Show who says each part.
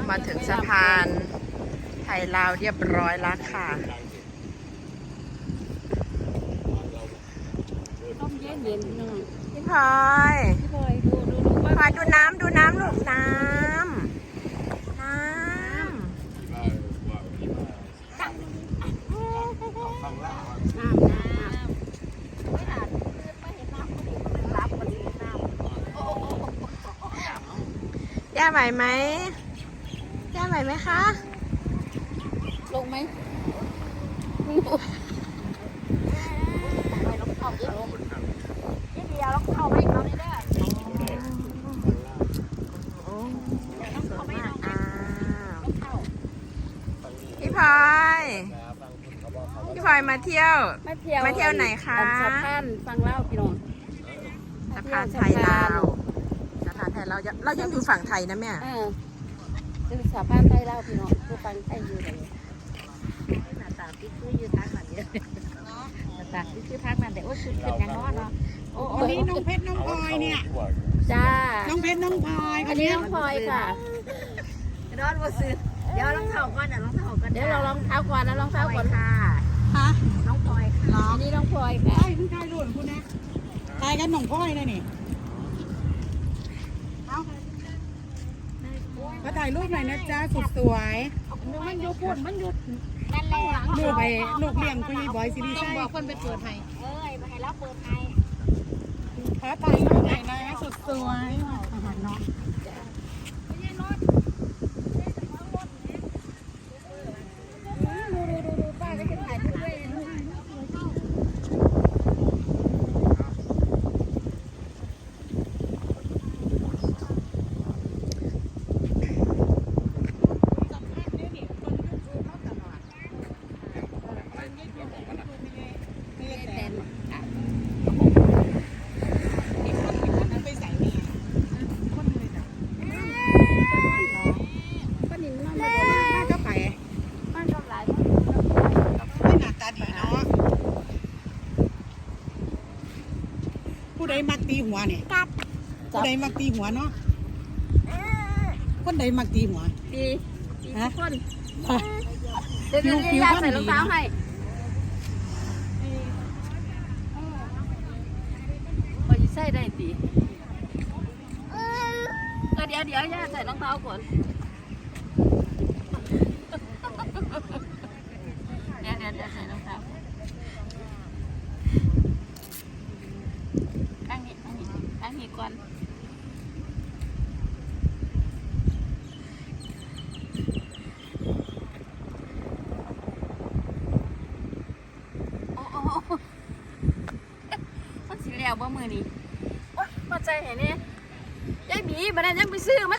Speaker 1: มาถึงสะพานไทยลาวเรียบร้อยแล้วค่ะ
Speaker 2: ต้มเย็นเย็นหน่อย
Speaker 1: พี่พลอย
Speaker 2: พี่บอยดู
Speaker 1: พลอยดูน้ำลูกน้ำย่าไหวไหมย่าไหวไหมคะ
Speaker 2: ลงไหม
Speaker 1: พี่พลอยมาเที่ยวไหนคะ
Speaker 2: สะพานฟังเล่าพี่น้อง
Speaker 1: สะพานไทยลาวเรายังอยู่ฝั่งไทยนะแม่
Speaker 2: คือสะพานไทยเล่าพี่น้องคือฟังไทยอยู่เลยหน้าตาพี่คืออยู่ทางนั้นเยอะหน้าตาพี่คือทางนั้นแต่โอ้ชุดเป็นยังน้อยเนาะ
Speaker 3: วันนี้น้องเพชรน้องพลอยเนี่ย
Speaker 2: จ้า
Speaker 3: น้องเพชรน้องพลอย
Speaker 2: อันนี้น้องพลอยค่ะ
Speaker 4: นอนว่าซื้อเดี๋ยวรองเท้าก่อนรองเท้าก่อน
Speaker 2: เดี๋ยวเราลองเท้าก่อนนะลองเท้าก่อนค่ะ
Speaker 3: ฮะ
Speaker 4: น้องพลอยค่ะ
Speaker 2: อันนี้น้องพลอยค่ะ
Speaker 3: ใช่เพิ่งทายรุ่นคุณนะทายกันน้องพลอยเลยนี่เอามาถ่ายรูปหน่อยนะจ๊ะสุดสวย
Speaker 2: มันยุบปุ่นมันยุบ
Speaker 4: นั่นแหละ
Speaker 3: ลูกไปลูกเลี้ยงคุยบอยซีรีส์
Speaker 2: ต้องบอกคนไปเปิดให้
Speaker 4: มาให้เราเปิดให้
Speaker 3: ขอถ่ายรูปหน่อยนะสุดสวยเนาะผู้ใดมักตีหัวเนี่ยผู้ใดมักตีหัวเนาะคนใดมักตีหัว
Speaker 2: ดีทุกคนเดี๋ยวใส่รองเท้าให้พอจะใส่ได้ดีเดี๋ยวย่าใส่รองเท้าก่อนเดี๋ยวใส่รองเท้าตั้งนี้ก่อนมันสิแล้วบ่มือนี้โอ๊ยมาใจเห็นเนี่ยยายบีมาได้ยังไปซื้อมา